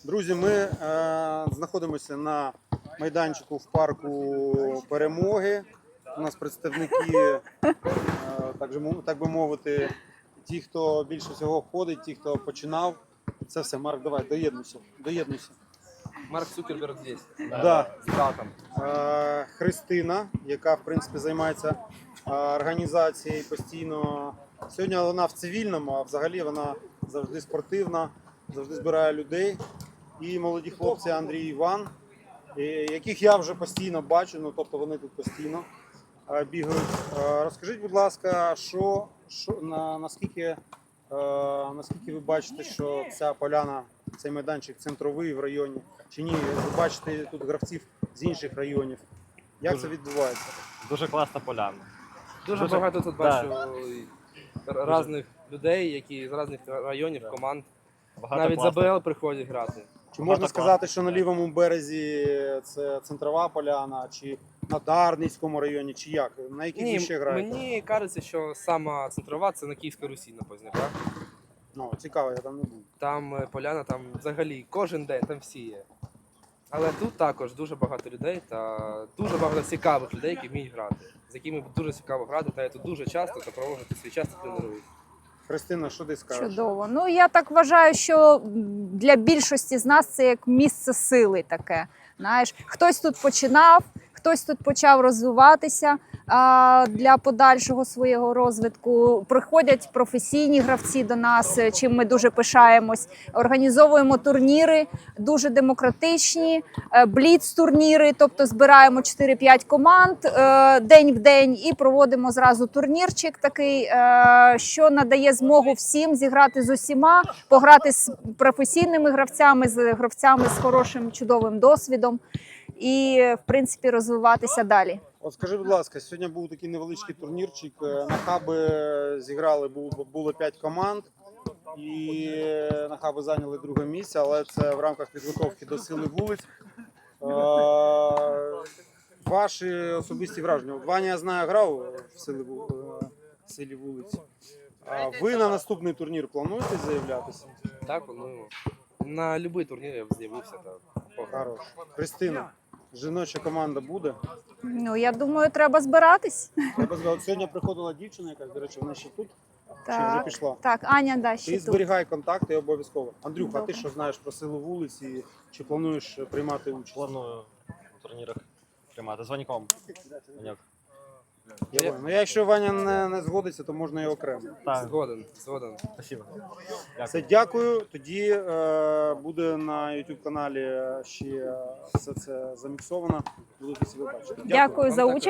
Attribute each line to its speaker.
Speaker 1: Друзі, ми знаходимося на майданчику в парку Перемоги. У нас представники, так би мовити, ті, хто більше всього входить, ті, хто починав. Це все, Марк, давай, доєднуйся.
Speaker 2: Марк Цукерберг здесь.
Speaker 1: Да.
Speaker 2: С братом.
Speaker 1: Христина, яка, в принципі, займається організацією постійно. Сьогодні вона в цивільному, а взагалі вона завжди спортивна, завжди збирає людей. І молоді хлопці Андрій і Іван, яких я вже постійно бачу, тобто вони тут постійно бігають. Розкажіть, будь ласка, наскільки ви бачите, що ця поляна, цей майданчик центровий в районі, чи ні? Ви бачите тут гравців з інших районів. Як це відбувається?
Speaker 3: Дуже класна поляна.
Speaker 2: Дуже багато тут бачу різних людей, які з різних районів, команд. Навіть з АБЛ приходять грати.
Speaker 1: Чи можна сказати, що на лівому березі це центрова поляна, чи на Дарницькому районі, чи як? На яких ви ще граєте?
Speaker 2: Мені кажеться, що сама центрова – це на Київській Русі, на Позняках.
Speaker 1: Ну, цікаво, я там не був.
Speaker 2: Там поляна, там взагалі кожен день, там всі є. Але тут також дуже багато людей та дуже багато цікавих людей, які вміють грати. З якими дуже цікаво грати, та я тут дуже часто та проводити свій час та тренуюсь.
Speaker 1: Христина, що ти скажеш?
Speaker 4: Чудово. Ну, я так вважаю, що для більшості з нас це як місце сили таке. Знаєш, хтось тут починав, хтось тут почав розвиватися для подальшого свого розвитку. Приходять професійні гравці до нас, чим ми дуже пишаємось. Організовуємо турніри, дуже демократичні, бліц-турніри, тобто збираємо 4-5 команд день в день і проводимо зразу турнірчик такий, що надає змогу всім зіграти з усіма, пограти з професійними гравцями, з гравцями з хорошим, чудовим досвідом і, в принципі, розвиватися далі.
Speaker 1: От скажи, будь ласка, сьогодні був такий невеличкий турнірчик. На хаби зіграли, було 5 команд. І на хаби зайняли друге місце, але це в рамках підготовки до сили вулиць. Ваші особисті враження. Ваня, я знаю, грав в силі вулиць. Ви на наступний турнір плануєте заявлятися?
Speaker 2: Так, плануємо. На будь-який турнір я б з'явився та пограв.
Speaker 1: Хорош. Христина, жіноча команда буде?
Speaker 4: Ну, я думаю, треба збиратись.
Speaker 1: Сьогодні приходила дівчина якась, до речі, вона ще тут? Чи вже пішла?
Speaker 4: Так, Аня, да, ще
Speaker 1: Ти
Speaker 4: тут.
Speaker 1: зберігай контакти обов'язково. Андрюха, а ти
Speaker 4: Добре.
Speaker 1: що знаєш про силу вулиць і чи плануєш приймати участь?
Speaker 3: Планую у турнірах приймати. Дзвоніком.
Speaker 1: Ну, якщо Ваня не згодиться, то можна і окремо.
Speaker 3: Так,
Speaker 2: Згоден.
Speaker 3: спасибо.
Speaker 1: Все, дякую. Тоді буде на YouTube каналі ще все це заміксовано. Будете себе бачити.
Speaker 4: Дякую за участь.